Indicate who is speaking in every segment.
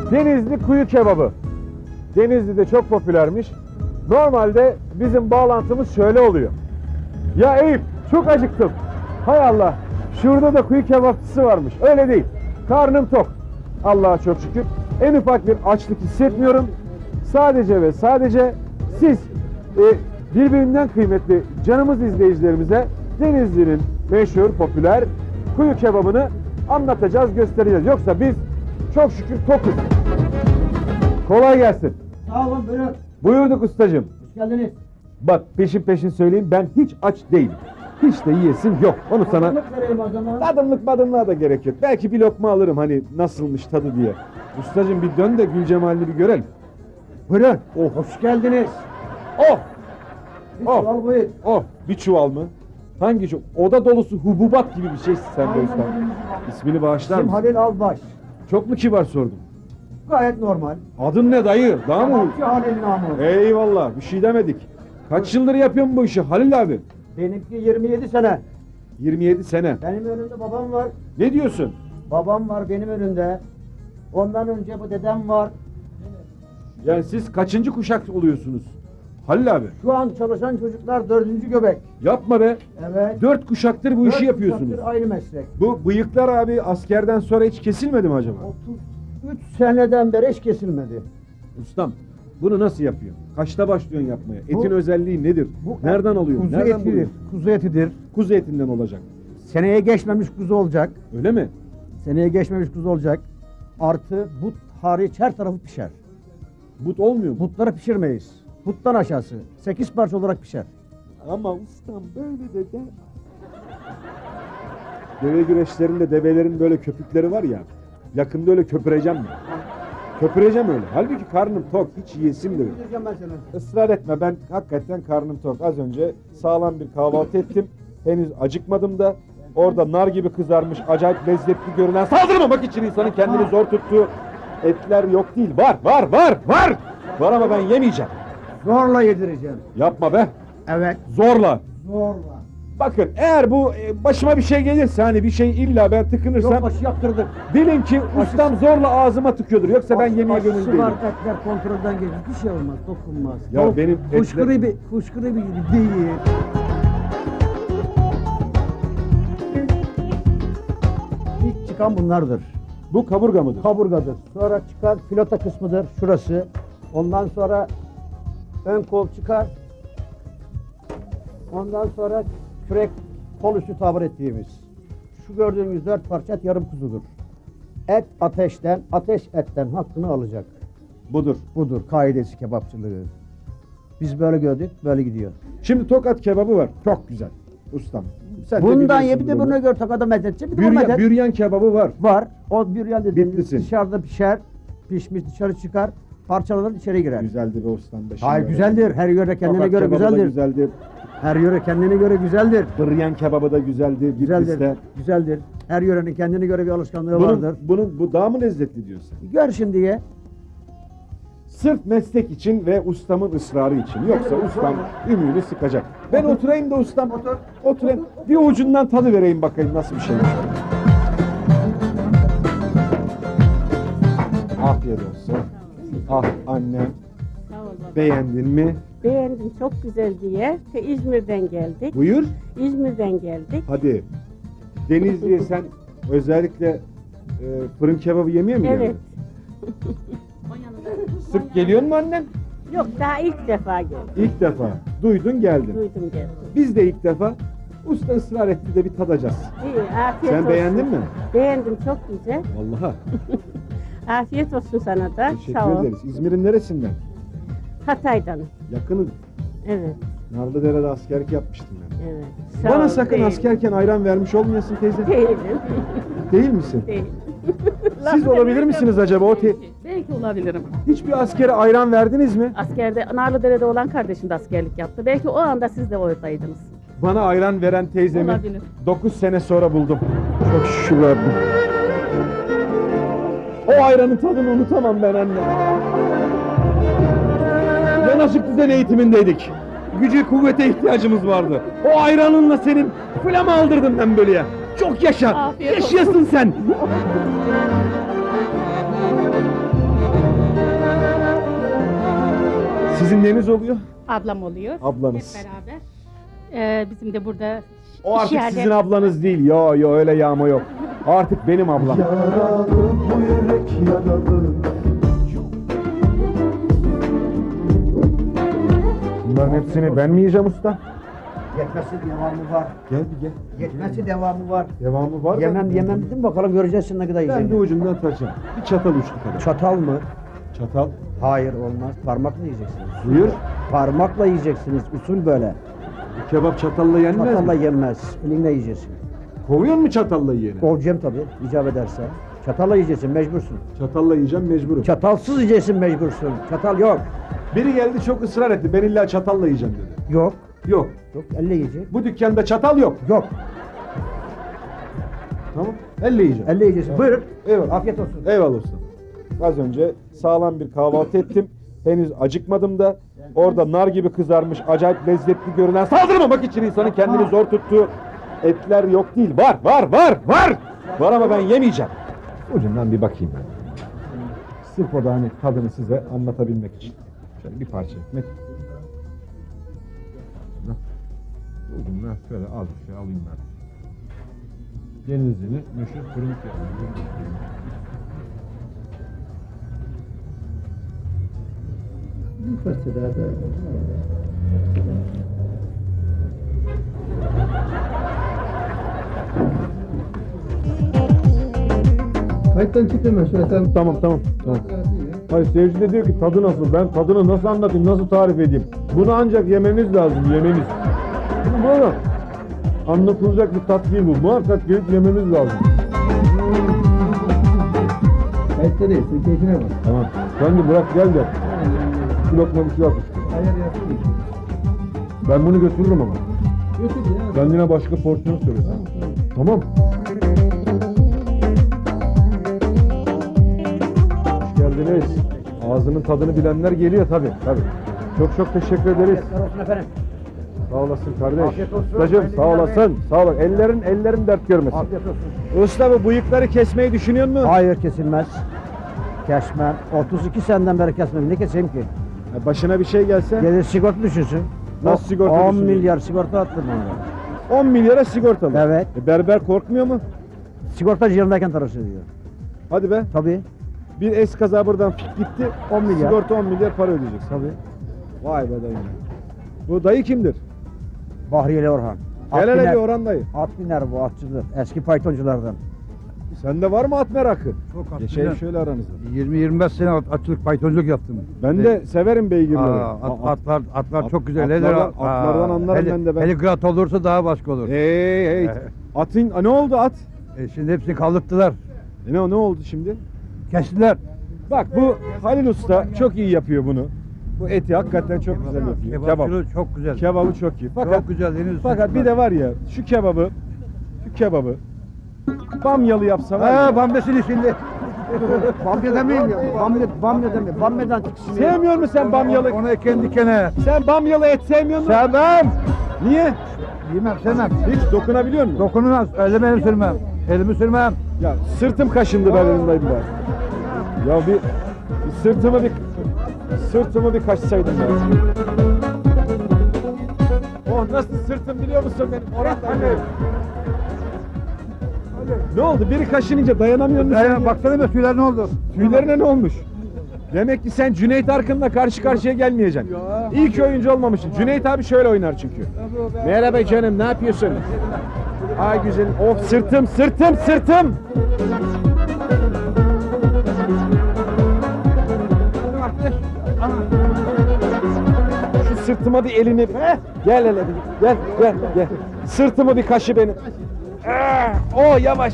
Speaker 1: Denizli kuyu kebabı. Denizli'de çok popülermiş. Normalde bizim bağlantımız şöyle oluyor. Ya Eyüp, çok acıktım. Hay Allah, şurada da kuyu kebapçısı varmış. Öyle değil. Karnım tok. Allah'a çok şükür. En ufak bir açlık hissetmiyorum. Sadece ve sadece siz birbirinden kıymetli canımız izleyicilerimize Denizli'nin meşhur, popüler kuyu kebabını anlatacağız, göstereceğiz. Yoksa biz çok şükür tokuz. Kolay gelsin.
Speaker 2: Sağ olun, buyurun.
Speaker 1: Buyurduk ustacığım.
Speaker 2: Hoş geldiniz.
Speaker 1: Bak peşin peşin söyleyeyim, ben hiç aç değilim. Hiç de yiyesim yok. Onu sana...
Speaker 2: Tadımlık vereyim o zaman.
Speaker 1: Tadımlık badımlığa da gerek yok. Belki bir lokma alırım hani nasılmış tadı diye. Ustacığım bir dön de Gülcemal'ini bir görelim.
Speaker 2: Buyurun.
Speaker 1: Oh.
Speaker 2: Hoş geldiniz.
Speaker 1: Oh!
Speaker 2: Bir
Speaker 1: Oh.
Speaker 2: çuval buyur.
Speaker 1: Oh! Bir çuval mı? Hangi çuval? Oda dolusu hububat gibi bir şeysin sen de
Speaker 2: Aynen
Speaker 1: usta.
Speaker 2: öyle.
Speaker 1: İsmini bağışlar
Speaker 2: İsim
Speaker 1: mısın?
Speaker 2: Halil Albaş.
Speaker 1: Çok mu kibar sordum?
Speaker 2: Gayet normal.
Speaker 1: Adın ne dayı? Daha mı?
Speaker 2: Kebapçı Halil namı.
Speaker 1: Eyvallah, bir şey demedik. Kaç yıldır yapıyorsun bu işi Halil abi?
Speaker 2: Benimki 27 sene.
Speaker 1: 27 sene.
Speaker 2: Benim önümde babam var.
Speaker 1: Ne diyorsun?
Speaker 2: Babam var benim önümde. Ondan önce bu dedem var.
Speaker 1: Yani siz kaçıncı kuşak oluyorsunuz? Halil abi.
Speaker 2: Şu an çalışan çocuklar 4. göbek.
Speaker 1: Yapma be.
Speaker 2: Evet.
Speaker 1: 4 kuşaktır bu
Speaker 2: 4
Speaker 1: işi yapıyorsunuz.
Speaker 2: kuşaktır aynı meslek.
Speaker 1: Bu bıyıklar abi askerden sonra hiç kesilmedi mi acaba?
Speaker 2: 33 seneden beri hiç kesilmedi.
Speaker 1: Ustam bunu nasıl yapıyor? Kaçta başlıyorsun yapmaya?
Speaker 2: Bu-
Speaker 1: Etin özelliği nedir? Nereden alıyorsun?
Speaker 2: Kuzu
Speaker 1: Nereden
Speaker 2: etidir.
Speaker 1: buluyorsun?
Speaker 2: Kuzu etidir.
Speaker 1: Kuzu etinden olacak.
Speaker 2: Seneye geçmemiş kuzu olacak.
Speaker 1: Öyle mi?
Speaker 2: Seneye geçmemiş kuzu olacak. Artı but hariç her tarafı pişer.
Speaker 1: But olmuyor mu?
Speaker 2: Butları pişirmeyiz. Buttan aşağısı. 8 parça olarak pişer.
Speaker 1: Ama ustam böyle de. Deve güreşlerinde develerin böyle köpükleri var ya. Yakında öyle köpüreceğim mi? Köpüreceğim öyle. Halbuki karnım tok. Hiç yiyesim de yok.
Speaker 2: Gideceğim ben sana.
Speaker 1: Israr etme, ben hakikaten karnım tok. Az önce sağlam bir kahvaltı ettim. Henüz acıkmadım da. Orada nar gibi kızarmış, acayip lezzetli görünen, saldırmamak için insanın kendini zor tuttuğu etler yok değil. Var ama ben yemeyeceğim.
Speaker 2: Zorla yedireceğim.
Speaker 1: Yapma be.
Speaker 2: Evet.
Speaker 1: Zorla.
Speaker 2: Zorla.
Speaker 1: Bakın eğer bu başıma bir şey gelirse, hani bir şey illa ben tıkınırsam,
Speaker 2: Yok başı yaptırdık.
Speaker 1: bilin ki ustam zorla ağzıma tıkıyordur. Yoksa ben yemeye gönüllü
Speaker 2: Aşısı
Speaker 1: değilim.
Speaker 2: var, etler kontrolden geçmiş. Bir şey olmaz, dokunmaz.
Speaker 1: Ya benim
Speaker 2: Fışkırı bir gibi değil. İlk çıkan bunlardır.
Speaker 1: Bu kaburga mıdır?
Speaker 2: Kaburgadır. Sonra çıkar filota kısmıdır şurası. Ondan sonra ön kol çıkar. Ondan sonra kürek kol üstü tabir ettiğimiz. Şu gördüğünüz 4 parça et yarım kuzudur. Et ateşten, ateş etten hakkını alacak.
Speaker 1: Budur.
Speaker 2: Budur kaidesi kebapçılığı. Biz böyle gördük, böyle gidiyor.
Speaker 1: Şimdi Tokat kebabı var. Çok güzel. Ustam. Sen de
Speaker 2: Bundan
Speaker 1: biliyorsun
Speaker 2: ye bir de
Speaker 1: bunu.
Speaker 2: buna göre takada medetçe bir de o medet
Speaker 1: Büryan kebabı var.
Speaker 2: var. O büryan dediğimiz
Speaker 1: Bitlisin.
Speaker 2: dışarıda pişer, pişmiş dışarı çıkar, parçalanır içeri girer.
Speaker 1: Güzeldi be ustam. be.
Speaker 2: Hayır
Speaker 1: Şimdi
Speaker 2: güzeldir. Her yöre kendine
Speaker 1: Tokat
Speaker 2: göre
Speaker 1: kebabı da
Speaker 2: güzeldir.
Speaker 1: güzeldir.
Speaker 2: Her yöre kendine göre güzeldir.
Speaker 1: Büryan kebabı da güzeldi.
Speaker 2: Güzeldir.
Speaker 1: Bitlis'te.
Speaker 2: Güzeldir. Her yörenin kendine göre bir alışkanlığı vardır.
Speaker 1: Bu daha mı lezzetli diyorsun?
Speaker 2: Gör şimdi ye.
Speaker 1: Sırf meslek için ve ustamın ısrarı için. Yoksa ustam ümüğünü sıkacak. Ben oturayım da ustam.
Speaker 2: Otur.
Speaker 1: Oturayım. Bir ucundan tadı vereyim bakayım nasıl bir şey. Afiyet olsun. Ah annem.
Speaker 3: Sağ ol baba.
Speaker 1: Beğendin mi?
Speaker 3: Beğendim, çok güzel diye. İzmir'den geldik.
Speaker 1: Buyur.
Speaker 3: İzmir'den geldik.
Speaker 1: Hadi. Denizli'ye sen özellikle fırın kebabı yemeye mi
Speaker 3: Evet.
Speaker 1: geldin? Sık geliyor mu annen?
Speaker 3: Yok, daha ilk defa geldim.
Speaker 1: İlk defa. Duydun geldin.
Speaker 3: Duydum geldim.
Speaker 1: Biz de ilk defa. Usta ısrar etti de bir tadacağız.
Speaker 3: İyi, afiyet
Speaker 1: Sen
Speaker 3: olsun.
Speaker 1: beğendin mi?
Speaker 3: Beğendim, çok güzel.
Speaker 1: Vallahi.
Speaker 3: Afiyet olsun sana da.
Speaker 1: Teşekkür
Speaker 3: Sağ ol.
Speaker 1: ederiz. İzmir'in neresinden?
Speaker 3: Hatay'dan.
Speaker 1: Yakını.
Speaker 3: Evet,
Speaker 1: Narlıdere'de askerlik yapmıştım ben.
Speaker 3: evet. Sağ
Speaker 1: Bana
Speaker 3: ol,
Speaker 1: sakın
Speaker 3: değilim.
Speaker 1: askerken ayran vermiş olmayasın teyze.
Speaker 3: Değilim.
Speaker 1: Değil misin?
Speaker 3: Değilim.
Speaker 1: Siz olabilir misiniz acaba?
Speaker 4: Belki olabilirim.
Speaker 1: Hiçbir askere ayran verdiniz mi?
Speaker 4: Askerde, Narlıdere'de olan kardeşim de askerlik yaptı. Belki o anda siz de oradaydınız.
Speaker 1: Bana ayran veren teyzemi
Speaker 4: Olabilir.
Speaker 1: 9 sene sonra buldum. Çok şükür Rabbim. O ayranın tadını unutamam ben anne. Yanaşık düzen eğitimindeydik. Gücü kuvvete ihtiyacımız vardı. O ayranınla senin flama aldırdım ben böyle ya. Çok yaşa.
Speaker 4: Afiyet olsun.
Speaker 1: Yaşayasın sen. Sizin neniz oluyor?
Speaker 5: Ablam oluyor.
Speaker 1: Ablanız.
Speaker 5: Hep beraber. Bizim de burada
Speaker 1: O artık
Speaker 5: yerleri-
Speaker 1: sizin ablanız değil. Yo öyle yağma yok. Artık benim ablam.
Speaker 6: Yaralı bu yürek yaralı.
Speaker 1: Bunların hepsini ben mi yiyeceğim usta?
Speaker 2: Yetmesi devamı var.
Speaker 1: Gel bir gel.
Speaker 2: Yetmesi devamı var.
Speaker 1: Devamı var
Speaker 2: Yemem
Speaker 1: da.
Speaker 2: yemem dedim bakalım göreceğiz şimdi ne kadar
Speaker 1: Ben bir
Speaker 2: yiyeceğim.
Speaker 1: ucundan taracağım. Bir çatal uçlu kadar.
Speaker 2: Çatal mı?
Speaker 1: Çatal.
Speaker 2: Hayır olmaz. Parmakla yiyeceksiniz.
Speaker 1: Buyur.
Speaker 2: Parmakla yiyeceksiniz. Usul böyle.
Speaker 1: Bu kebap çatalla yenmez
Speaker 2: Çatalla
Speaker 1: mi?
Speaker 2: yenmez. Elinle yiyeceksin.
Speaker 1: Kovuyor mu çatalla yiyeni?
Speaker 2: Kovacağım tabii icap ederse. Çatalla yiyeceksin mecbursun.
Speaker 1: Çatalla yiyeceğim mecburum.
Speaker 2: Çatalsız yiyeceksin mecbursun. Çatal yok.
Speaker 1: Biri geldi çok ısrar etti. Ben illa çatalla yiyeceğim dedi.
Speaker 2: Yok.
Speaker 1: Yok.
Speaker 2: Yok elle yiyecek.
Speaker 1: Bu dükkanda çatal yok.
Speaker 2: Yok.
Speaker 1: Tamam. Elle yiyeceğim.
Speaker 2: Elle yiyeceksin. Buyurun.
Speaker 1: Eyvallah.
Speaker 2: Afiyet olsun.
Speaker 1: Eyvallah usta. Az önce sağlam bir kahvaltı ettim. Henüz acıkmadım da. Orada nar gibi kızarmış, acayip lezzetli görünen, saldırmamak için insanın kendini zor tuttuğu etler yok değil. Var, var, var, var! Var ama ben yemeyeceğim. Ucundan bir bakayım ben. Sırf o da hani tadını size anlatabilmek için. Şöyle bir parça ekmek. Ucundan şöyle az bir şey alayım ben. Denizli'nin meşhur fırın kebabı.
Speaker 6: Kayıttan çıktım ben şöyle sen.
Speaker 1: Tamam. Hayır seyirci de diyor ki tadı nasıl? Ben tadını nasıl anlatayım, nasıl tarif edeyim? Bunu ancak yemeniz lazım, yemeniz. Bu böyle anlatılacak bir tat değil bu. Muhakkak gelip yemeniz lazım.
Speaker 6: Kayıtta değil, sen keyfine bak.
Speaker 1: Tamam. Sen de bırak gel de. Bir lokma bir şey at işte.
Speaker 6: Ayar yaptın.
Speaker 1: Ben bunu götürürüm ama.
Speaker 6: Götür ya.
Speaker 1: Kendine başka porsiyon söylesen. Tamam. Hoş geldiniz. Ağzının tadını bilenler geliyor tabii. Çok teşekkür ederiz.
Speaker 2: Afiyetler olsun efendim.
Speaker 1: Sağ olasın kardeş.
Speaker 2: Afiyet olsun.
Speaker 1: Ustacığım sağ olasın. Sağ ol. Ellerin dert görmesin.
Speaker 2: Afiyet olsun.
Speaker 1: Usta bu bıyıkları kesmeyi düşünüyor musun?
Speaker 2: Hayır kesilmez. Kesmem. 32 seneden beri kesmem. Ne keseyim ki?
Speaker 1: Başına bir şey gelse
Speaker 2: Gelir sigorta düşünsün.
Speaker 1: Nasıl sigorta
Speaker 2: 10
Speaker 1: düşünüyor?
Speaker 2: milyar sigorta attım bana.
Speaker 1: 10 milyara sigortalı.
Speaker 2: Evet.
Speaker 1: Berber korkmuyor mu?
Speaker 2: Sigortacı yanındayken tarafı diyor.
Speaker 1: Hadi be.
Speaker 2: Tabii.
Speaker 1: Bir eskaza buradan fik gitti.
Speaker 2: 10 milyar.
Speaker 1: Sigorta 10 milyar para ödeyeceksin.
Speaker 2: Tabii.
Speaker 1: Vay be dayı. Bu dayı kimdir?
Speaker 2: Bahriyeli Orhan.
Speaker 1: Gel hele
Speaker 2: biner-
Speaker 1: bir Orhan dayı.
Speaker 2: At biner bu atçıdır. Eski faytonculardan.
Speaker 1: Sende var mı at merakı?
Speaker 6: Çok at
Speaker 1: Geçelim
Speaker 6: biner.
Speaker 1: şöyle aranızda.
Speaker 6: 20-25 sene atçılık paytonculuk yaptım.
Speaker 1: Ben de severim beygirleri.
Speaker 6: Atlar çok güzel.
Speaker 1: Atlardan anlarım ben de.
Speaker 6: Helikrat olursa daha başka olur.
Speaker 1: Hey. Atın ne oldu at?
Speaker 6: Şimdi hepsini kaldırttılar.
Speaker 1: Ne oldu şimdi?
Speaker 6: Kestiler.
Speaker 1: Bak bu Halil Usta çok iyi yapıyor bunu. Bu eti hakikaten çok güzel yapıyor. Kebap.
Speaker 6: Kebapçılığı çok güzel.
Speaker 1: Kebabı çok iyi. Fakat
Speaker 6: Çok güzel.
Speaker 1: bir de var ya şu kebabı bamyalı yapsa var ya.
Speaker 6: Bambesini şimdi.
Speaker 2: Bamya demeyeyim ya. Bamya demeyeyim. Bamyadan tiksineyim.
Speaker 1: Sevmiyor musun sen bamyalı?
Speaker 6: Onu eken dikene.
Speaker 1: Sen bamyalı et sevmiyor musun?
Speaker 6: Sevmem.
Speaker 1: Niye?
Speaker 6: Sevmem.
Speaker 1: Hiç dokunabiliyor musun?
Speaker 6: Dokunulmaz. Elimi sürmem. Elimi sürmem.
Speaker 1: Ya sırtım kaşındı ben elimdeydim ben. Ya bir sırtımı bir kaşsaydım ben. Oh nasıl sırtım biliyor musun benim? Orhan Ne oldu? Biri kaşınınca dayanamıyor musun? sen ya?
Speaker 6: Baksana be tüyler ne oldu?
Speaker 1: Tüylerine ne olmuş? Demek ki sen Cüneyt Arkın'la karşı karşıya gelmeyeceksin. İyi ki oyuncu olmamışsın. Cüneyt abi şöyle oynar çünkü. Merhaba canım, ne yapıyorsun? Ay güzelim. Of sırtım. Şu sırtıma bir elini... Gel hele bir. Gel. Sırtımı bir kaşı benim. Oh yavaş.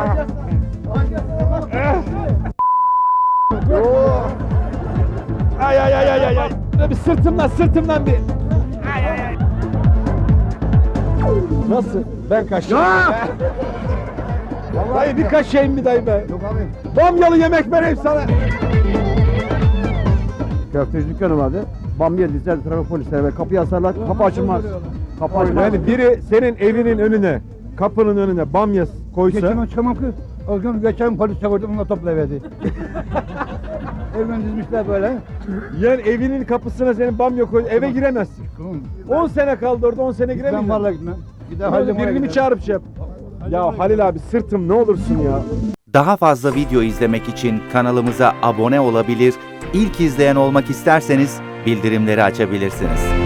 Speaker 1: Ay. Bir sırtımdan bir. Ay. Nasıl? Ben kaşıyım. Vallahi bir kaşıyım bir dayı be.
Speaker 6: Yok abi.
Speaker 1: Bamyalı yemek vereyim sana.
Speaker 2: Köfteci dükkanı vardı. Bamya dizer trafik polisleri ve kapıyı asarlar. Kapı açılmaz. Kapı açılmaz.
Speaker 1: Yani biri senin evinin önüne, kapının önüne bamya koysa.
Speaker 6: Geçen çamakı. O gün geçen polis çağırdı onunla toplayıverdi. Evden dizmişler böyle.
Speaker 1: Yani evinin kapısına senin bamya koy, eve giremezsin. 10 sene kaldı orada, 10 sene
Speaker 6: Ben
Speaker 1: giremeyeceksin.
Speaker 6: vallahi gitmem. Gider
Speaker 1: Ne olur,
Speaker 6: Halil
Speaker 1: birini mi çağırıp şey yap? Ya Halil abi sırtım ne olursun ya.
Speaker 7: Daha fazla video izlemek için kanalımıza abone olabilir, ilk izleyen olmak isterseniz bildirimleri açabilirsiniz.